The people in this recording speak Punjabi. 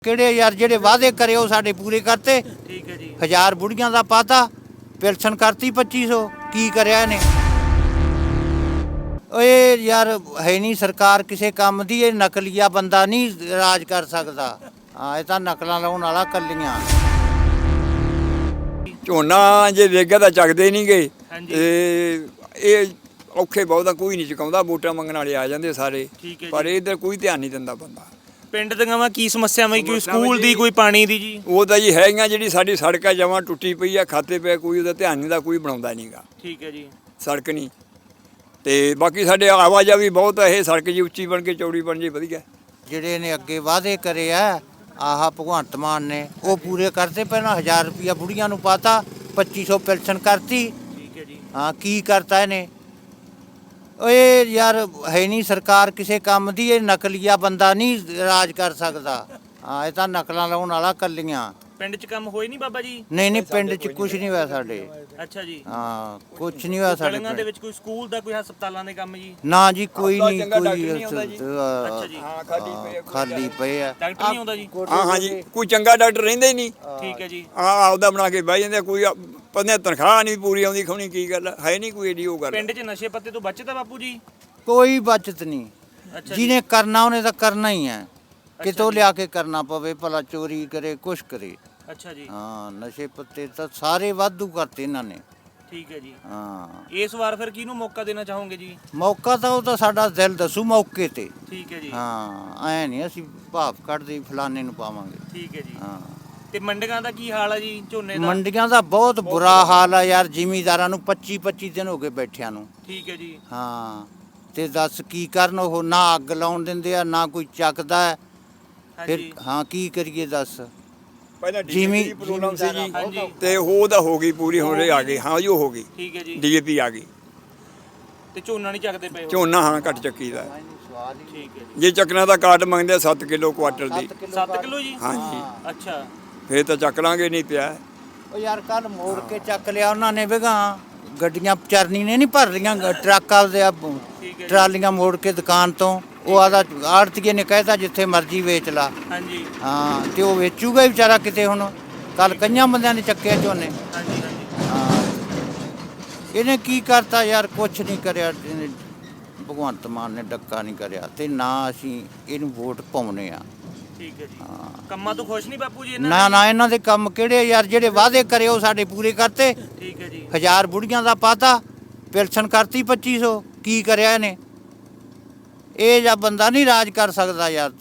ਕਿਹੜੇ ਯਾਰ ਜਿਹੜੇ ਵਾਅਦੇ ਕਰੇ ਉਹ ਸਾਡੇ ਪੂਰੇ ਕਰਤੇ। ਠੀਕ ਹੈ ਜੀ। 1000 ਬੁੜੀਆਂ ਦਾ ਪਾਤਾ, ਪੈਨਸ਼ਨ ਕਰਤੀ 2500। ਕੀ ਕਰਿਆ ਇਹਨੇ? ਓਏ ਯਾਰ ਹੈ ਨਹੀਂ ਸਰਕਾਰ ਕਿਸੇ ਕੰਮ ਦੀ। ਇਹ ਨਕਲੀਆ ਬੰਦਾ ਨਹੀਂ ਰਾਜ ਕਰ ਸਕਦਾ। ਹਾਂ, ਇਹ ਤਾਂ ਨਕਲਾਂ ਲਾਉਣ ਵਾਲਾ ਕੱਲੀਆਂ। ਝੋਨਾ ਜੇ ਵੇਗਾ ਤਾਂ ਚੱਕਦੇ ਨਹੀਂ ਗਏ ਹਾਂਜੀ। ਤੇ ਇਹ ਔਖੇ ਬਹੁਤਾ ਕੋਈ ਨਹੀਂ ਚੁਕਾਉਂਦਾ। ਵੋਟਾਂ ਮੰਗਣ ਵਾਲੇ ਆ ਜਾਂਦੇ ਸਾਰੇ, ਠੀਕ ਹੈ ਪਰ ਜੀ। ਇਧਰ ਕੋਈ ਧਿਆਨ ਨਹੀਂ ਦਿੰਦਾ ਬੰਦਾ। ਪਿੰਡ ਦੀਆਂ ਕੀ ਸਮੱਸਿਆਵਾਂ ਜੀ? ਕੋਈ ਸਮੱਸਿਆਵਾਂ ਸਕੂਲ ਦੀ, ਜੀ। ਕੋਈ ਪਾਣੀ ਦੀ ਜੀ? ਉਹ ਤਾਂ ਜੀ ਹੈਗੀਆਂ, ਜਿਹੜੀ ਸਾਡੀ ਸੜਕ ਆ ਜਮਾਂ ਟੁੱਟੀ ਪਈ ਆ, ਖਾਤੇ ਪਏ, ਕੋਈ ਉਹਦਾ ਧਿਆਨ ਨਹੀਂ ਦਾ, ਕੋਈ ਬਣਾਉਂਦਾ ਨਹੀਂਗਾ। ਠੀਕ ਹੈ ਜੀ। ਸੜਕ ਨਹੀਂ ਤੇ ਬਾਕੀ ਸਾਡੇ ਆਵਾਜਾਈ ਬਹੁਤ ਆ। ਇਹ ਸੜਕ ਜੀ ਉੱਚੀ ਬਣ ਕੇ ਚੌੜੀ ਬਣ ਜੇ ਵਧੀਆ। ਜਿਹੜੇ ਨੇ ਅੱਗੇ ਵਾਅਦੇ ਕਰੇ ਆ ਆਹ ਭਗਵੰਤ ਮਾਨ ਨੇ, ਉਹ ਪੂਰੇ ਕਰਤੇ। ਪਹਿਲਾਂ 1000 ਰੁਪਇਆ ਬੁੜੀਆਂ ਨੂੰ ਪਾਤਾ, 2500 ਪੈਨਸ਼ਨ ਕਰਤੀ। ਠੀਕ ਹੈ ਜੀ। ਹਾਂ, ਕੀ ਕਰਤਾ ਇਹਨੇ? ਓਏ ਯਾਰ ਹੈ ਨਹੀਂ ਸਰਕਾਰ ਕਿਸੇ ਕੰਮ ਦੀ। ਇਹ ਨਕਲੀਆ ਬੰਦਾ ਨਹੀਂ ਰਾਜ ਕਰ ਸਕਦਾ। ਹਾਂ, ਇਹ ਤਾਂ ਨਕਲਾਂ ਲਾਉਣ ਵਾਲਾ ਕੱਲੀਆਂ। ਪਿੰਡ 'ਚ ਕੰਮ ਹੋਏ ਨਹੀਂ ਬਾਬਾ ਜੀ? ਨਹੀਂ ਨਹੀਂ, ਪਿੰਡ 'ਚ ਕੁਝ ਨਹੀਂ ਹੋਇਆ ਸਾਡੇ। ਅੱਛਾ ਜੀ। ਹਾਂ, ਕੁਝ ਨਹੀਂ ਹੋਇਆ ਸਾਡੇ ਗਲੀਆਂ ਦੇ ਪਿੰਡ। ਵਿੱਚ ਕੋਈ ਸਕੂਲ ਦਾ, ਕੋਈ ਹਸਪਤਾਲਾਂ ਦੇ ਕੰਮ ਜੀ? ਨਾ ਜੀ, ਕੋਈ ਆਪਣਾ ਨਹੀਂ। ਚੰਗਾ ਕੋਈ ਡਾਕਟਰ ਨਹੀਂ ਆਉਂਦਾ ਜੀ। ਅੱਛਾ ਜੀ। ਹਾਂ, ਖਾਲੀ ਪਏ ਆ, ਖਾਲੀ ਪਏ ਆ। ਡਾਕਟਰ ਨਹੀਂ ਆਉਂਦਾ ਜੀ? ਹਾਂ ਹਾਂ ਜੀ, ਕੋਈ ਚੰਗਾ ਡਾਕਟਰ ਰਹਿੰਦਾ ਹੀ ਨਹੀਂ। ਠੀਕ ਹੈ ਜੀ। ਆਪਦਾ ਬਣਾ ਕੇ ਬਹਿ ਜਾਂਦੇ। ਕੋਈ ਬੰਦੇ ਤਨਖਾਹ ਨਹੀਂ ਪੂਰੀ ਆਉਂਦੀ। ਖੋਣੀ ਕੀ ਗੱਲ ਹੈ ਨਹੀਂ ਕੋਈ ਏਡੀ ਉਹ ਗੱਲ। ਪਿੰਡ 'ਚ ਨਸ਼ੇ ਪੱਤੇ ਤੋਂ ਬਚਦਾ ਬਾਪੂ ਜੀ? ਕੋਈ ਬਚਤ ਨਹੀਂ। ਅੱਛਾ ਜੀ। ਜਿਹਨੇ ਕਰਨਾ ਉਹਨੇ ਤਾਂ ਕਰਨਾ ਹੀ ਹੈ। ਕਿਤੋਂ ਜੀ। ਲਿਆ ਕੇ ਕਰਨਾ ਪਵੇ, ਭਲਾ ਚੋਰੀ ਕਰੇ, ਕੁਛ ਕਰੇ। ਅੱਛਾ ਜੀ। ਹਾਂ, ਨਸ਼ੇ ਪੱਤੇ ਤਾਂ ਸਾਰੇ ਵਾਧੂ ਕਰਤੇ ਇਹਨਾਂ ਨੇ। ਠੀਕ ਹੈ ਜੀ। ਹਾਂ, ਇਸ ਵਾਰ ਫਿਰ ਕਿਹਨੂੰ ਮੌਕਾ ਦੇਣਾ ਚਾਹੋਗੇ ਜੀ? ਮੌਕਾ ਤਾਂ ਉਹ ਤਾਂ ਸਾਡਾ ਦਿਲ ਦੱਸੂ ਮੌਕੇ ਤੇ। ਠੀਕ ਹੈ ਜੀ। ਹਾਂ, ਐ ਨਹੀਂ ਅਸੀਂ ਭਾਫ ਕੱਢਦੇ ਫਲਾਣੇ ਨੂੰ ਪਾਵਾਂਗੇ। ਠੀਕ ਹੈ ਜੀ। ਹਾਂ, ਤੇ ਮੰਡੀਆਂ ਦਾ ਕੀ ਹਾਲ ਹੈ ਜੀ ਝੋਨੇ ਦਾ? ਮੰਡੀਆਂ ਦਾ ਬਹੁਤ ਬੁਰਾ ਹਾਲ ਆ ਯਾਰ। ਜ਼ਿਮੀਂਦਾਰਾਂ ਨੂੰ 25-25 ਦਿਨ ਹੋ ਗਏ ਬੈਠਿਆਂ ਨੂੰ। ਠੀਕ ਹੈ ਜੀ। ਹਾਂ, ਤੇ ਦੱਸ ਕੀ ਕਰਨ? ਉਹ ਨਾ ਅੱਗ ਲਾਉਣ ਦਿੰਦੇ ਆ, ਨਾ ਕੋਈ ਚੱਕਦਾ ਹੈ। ਫਿਰ ਹਾਂਜੀ। ਹਾਂ, ਕੀ ਕਰੀਏ ਦੱਸ? ਪਹਿਲਾਂ ਜਿਮੀ- ਡੀਏਪੀ ਪ੍ਰੋਬਲਮ ਸੀ ਜੀ, ਹਾਂਜੀ। ਤੇ ਉਹ ਤਾਂ ਹੋ ਗਈ ਪੂਰੀ। ਹੁਣ ਇਹ ਆ ਗਈ। ਹਾਂ ਜੀ, ਉਹ ਹੋ ਗਈ। ਠੀਕ ਹੈ ਜੀ। ਡੀਏਪੀ ਆ ਗਈ। ਤੇ ਝੋਨਾ ਨਹੀਂ ਚੱਕਦੇ ਪਏ ਹੋ? ਝੋਨਾ ਹਾਂ ਘੱਟ ਚੱਕੀ ਦਾ। ਠੀਕ ਹੈ ਜੀ। ਜੇ ਚੱਕਣਾ ਤਾਂ ਕਾਟ ਮੰਗਦੇ 7 ਕਿਲੋ ਕੁਆਟਰ ਦੀ। 7 ਕਿਲੋ ਜੀ? ਹਾਂਜੀ। ਅੱਛਾ। ਫੇਰ ਤਾਂ ਚੱਕ ਲਾਂਗੇ, ਨਹੀਂ ਪਿਆ। ਉਹ ਯਾਰ ਕੱਲ ਮੋੜ ਕੇ ਚੱਕ ਲਿਆ ਉਹਨਾਂ ਨੇ ਵੇਗਾ। ਗੱਡੀਆਂ ਚਰਨੀ ਨੇ ਨਹੀਂ ਭਰ ਲੀਆਂ ਟਰੱਕਾਂ ਦੇ ਠੀਕ ਹੈ ਜੀ। ਟਰਾਲੀਆਂ ਮੋੜ ਕੇ ਦੁਕਾਨ ਤੋਂ। ਉਹ ਆਦਾ ਆੜਤੀਏ ਨੇ ਕਹਿਤਾ ਜਿੱਥੇ ਮਰਜ਼ੀ ਵੇਚ ਲਾ। ਹਾਂਜੀ ਹਾਂ, ਤੇ ਉਹ ਵੇਚੂਗਾ ਹੀ ਵਿਚਾਰਾ ਕਿਤੇ। ਹੁਣ ਕੱਲ ਕਈਆਂ ਬੰਦਿਆਂ ਨੇ ਚੱਕਿਆ ਝੋਨੇ। ਹਾਂਜੀ ਹਾਂਜੀ। ਹਾਂ, ਇਹਨੇ ਕੀ ਕਰਤਾ ਯਾਰ? ਕੁਛ ਨਹੀਂ ਕਰਿਆ ਇਹਨੇ। ਭਗਵੰਤ ਮਾਨ ਨੇ ਡੱਕਾ ਨਹੀਂ ਕਰਿਆ, ਤੇ ਨਾ ਅਸੀਂ ਇਹਨੂੰ ਵੋਟ ਪਾਉਣੇ ਆ। ਠੀਕ ਹੈ ਜੀ। ਹਾਂ। ਕੰਮਾਂ ਤੋਂ ਖੁਸ਼ ਨਹੀਂ ਬਾਪੂ ਜੀ ਨਾ ਨਾ, ਇਹਨਾਂ ਦੇ ਕੰਮ ਕਿਹੜੇ ਯਾਰ? ਜਿਹੜੇ ਵਾਅਦੇ ਕਰੇ ਉਹ ਸਾਡੇ ਪੂਰੇ ਕਰਤੇ। ਠੀਕ ਹੈ ਜੀ। 1000 ਬੁੜੀਆਂ ਦਾ ਪਾਤਾ, ਪੈਨਸ਼ਨ ਕਰਤੀ 2500। ਕੀ ਕਰਿਆ ਇਹਨੇ? ਇਹ ਜਾਂ ਬੰਦਾ ਨਹੀਂ ਰਾਜ ਕਰ ਸਕਦਾ ਯਾਰ।